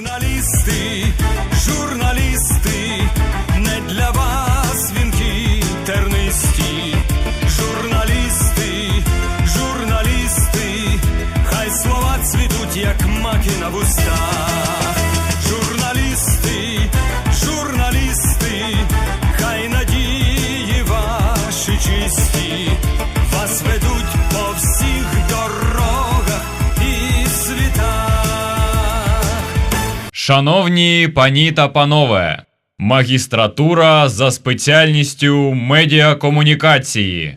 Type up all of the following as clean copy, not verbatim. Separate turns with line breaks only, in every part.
Журналісти, журналісти, не для вас вінки тернисті. Журналісти, журналісти, хай слова цвітуть, як маки на вустах. Журналісти, журналісти, хай надії ваші чисті вас ведуть по всіх дорогах і світах.
Шановні пані та панове, магістратура за спеціальністю медіакомунікації.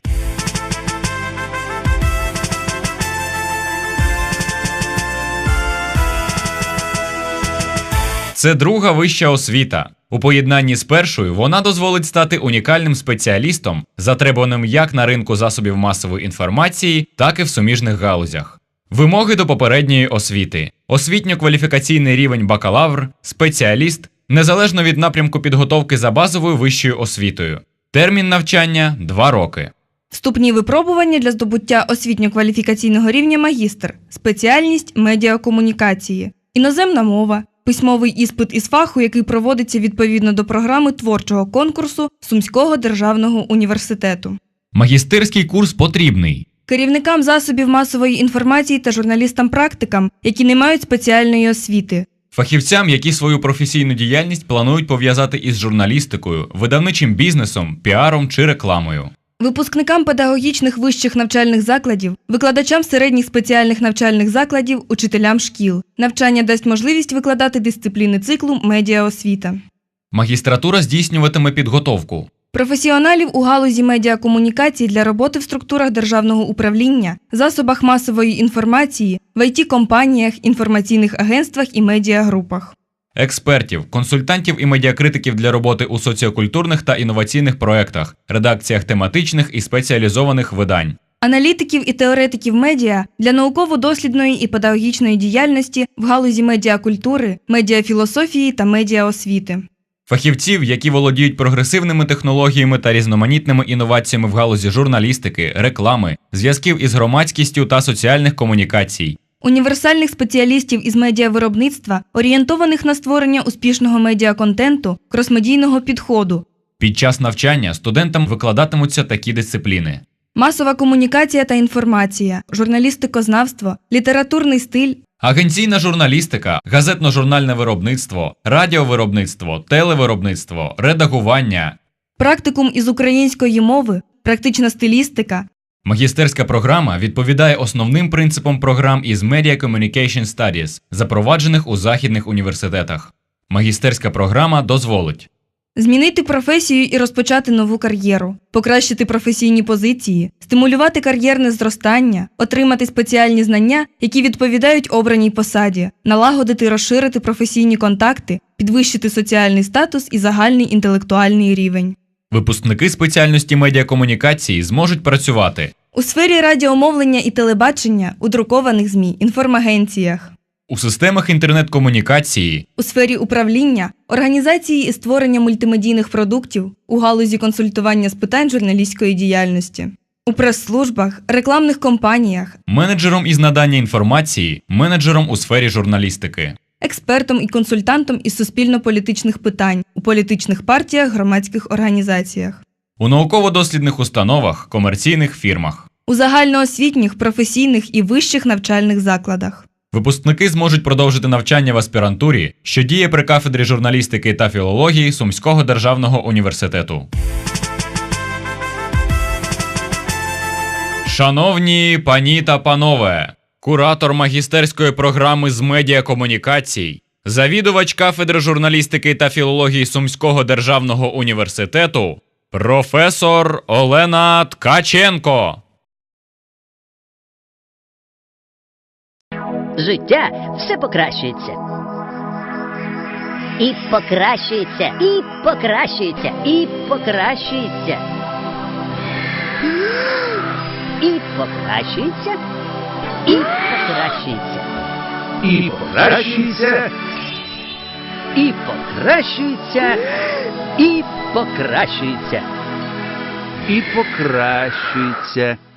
Це друга вища освіта. У поєднанні з першою вона дозволить стати унікальним спеціалістом, затребуваним як на ринку засобів масової інформації, так і в суміжних галузях. Вимоги до попередньої освіти. Освітньо-кваліфікаційний рівень бакалавр, спеціаліст, незалежно від напрямку підготовки за базовою вищою освітою. Термін навчання – 2 роки.
Вступні випробування для здобуття освітньо-кваліфікаційного рівня магістр, спеціальність медіакомунікації, іноземна мова, письмовий іспит із фаху, який проводиться відповідно до програми творчого конкурсу Сумського державного університету.
Магістерський курс потрібний
Керівникам засобів масової інформації та журналістам-практикам, які не мають спеціальної освіти.
фахівцям, які свою професійну діяльність планують пов'язати із журналістикою, видавничим бізнесом, піаром чи рекламою.
Випускникам педагогічних вищих навчальних закладів, викладачам середніх спеціальних навчальних закладів, учителям шкіл. Навчання дасть можливість викладати дисципліни циклу «Медіаосвіта».
Магістратура здійснюватиме підготовку
Професіоналів у галузі медіакомунікацій для роботи в структурах державного управління, засобах масової інформації, в IT-компаніях, інформаційних агентствах і медіагрупах.
експертів, консультантів і медіакритиків для роботи у соціокультурних та інноваційних проєктах, редакціях тематичних і спеціалізованих видань.
Аналітиків і теоретиків медіа для науково-дослідної і педагогічної діяльності в галузі медіакультури, медіафілософії та медіаосвіти.
Фахівців, які володіють прогресивними технологіями та різноманітними інноваціями в галузі журналістики, реклами, зв'язків із громадськістю та соціальних комунікацій.
Універсальних спеціалістів із медіавиробництва, орієнтованих на створення успішного медіаконтенту, кросмедійного підходу.
Під час навчання студентам викладатимуться такі дисципліни:
Масова комунікація та інформація, журналістикознавство, літературний стиль,
агенційна журналістика, газетно-журнальне виробництво, радіовиробництво, телевиробництво, редагування.
практикум із української мови, практична стилістика.
Магістерська програма відповідає основним принципам програм із Media Communication Studies, запроваджених у західних університетах. Магістерська програма дозволить
Змінити професію і розпочати нову кар'єру, покращити професійні позиції, стимулювати кар'єрне зростання, отримати спеціальні знання, які відповідають обраній посаді, налагодити і розширити професійні контакти, підвищити соціальний статус і загальний інтелектуальний рівень.
Випускники спеціальності медіакомунікації зможуть працювати
У сфері радіомовлення і телебачення, у друкованих ЗМІ, інформагенціях.
у системах інтернет-комунікації,
У сфері управління, організації і створення мультимедійних продуктів, у галузі консультування з питань журналістської діяльності. У прес-службах, рекламних компаніях,
менеджером із надання інформації, менеджером у сфері журналістики.
експертом і консультантом із суспільно-політичних питань, у політичних партіях, громадських організаціях.
У науково-дослідних установах, комерційних фірмах.
У загальноосвітніх, професійних і вищих навчальних закладах.
Випускники зможуть продовжити навчання в аспірантурі, що діє при кафедрі журналістики та філології Сумського державного університету. Шановні пані та панове, куратор магістерської програми з медіакомунікацій, завідувач кафедри журналістики та філології Сумського державного університету, професор Олена Ткаченко.
Життя все покращується. І покращується, і покращується, і покращується. І покращується, і покращується.
І покращується,
І покращується, і покращується.
і покращується.